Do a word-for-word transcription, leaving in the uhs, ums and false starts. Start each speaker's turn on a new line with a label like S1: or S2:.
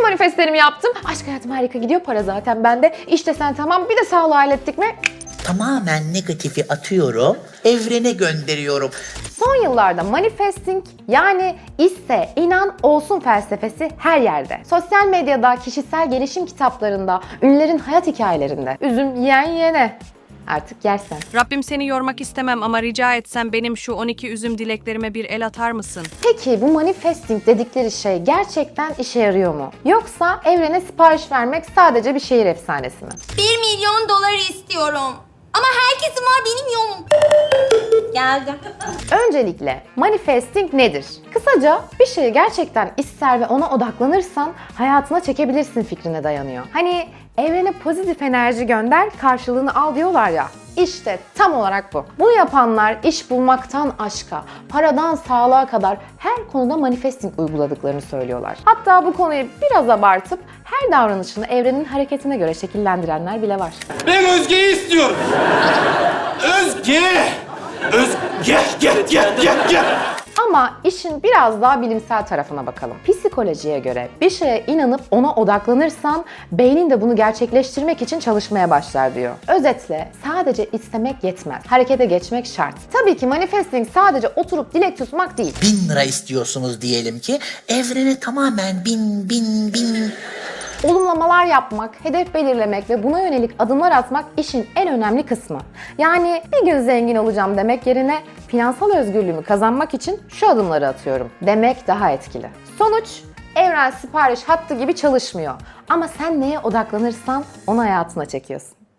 S1: manifestlerimi yaptım. Aşk hayatım harika gidiyor, para zaten bende. İşte sen tamam, bir de sağlığı hallettik mi?
S2: Tamamen negatifi atıyorum, evrene gönderiyorum.
S1: Son yıllarda manifesting yani iste, inan, olsun felsefesi her yerde. Sosyal medyada, kişisel gelişim kitaplarında, ünlülerin hayat hikayelerinde. Üzüm yiyen yiyene. Artık yersen.
S3: Rabbim seni yormak istemem ama rica etsem benim şu on iki üzüm dileklerime bir el atar mısın?
S1: Peki bu manifesting dedikleri şey gerçekten işe yarıyor mu? Yoksa evrene sipariş vermek sadece bir şehir efsanesi mi?
S4: Bir milyon dolar istiyorum. Ama herkesin var, benim yok. Geldim.
S1: Öncelikle manifesting nedir? Kısaca bir şeyi gerçekten ister ve ona odaklanırsan hayatına çekebilirsin fikrine dayanıyor. Hani evrene pozitif enerji gönder, karşılığını al diyorlar ya. İşte tam olarak bu. Bunu yapanlar iş bulmaktan aşka, paradan sağlığa kadar her konuda manifesting uyguladıklarını söylüyorlar. Hatta bu konuyu biraz abartıp her davranışını evrenin hareketine göre şekillendirenler bile var.
S5: Ben Özge'yi istiyorum. Özge! Özge! Gel, gel, gel, gel, gel.
S1: Ama işin biraz daha bilimsel tarafına bakalım. Psikolojiye göre bir şeye inanıp ona odaklanırsan beynin de bunu gerçekleştirmek için çalışmaya başlar diyor. Özetle sadece istemek yetmez. Harekete geçmek şart. Tabii ki manifesting sadece oturup dilek tutmak değil.
S2: Bin lira istiyorsunuz diyelim ki, evrene tamamen bin, bin, bin...
S1: Olumlamalar yapmak, hedef belirlemek ve buna yönelik adımlar atmak işin en önemli kısmı. Yani bir gün zengin olacağım demek yerine finansal özgürlüğümü kazanmak için şu adımları atıyorum demek daha etkili. Sonuç, evren sipariş hattı gibi çalışmıyor. Ama sen neye odaklanırsan onu hayatına çekiyorsun.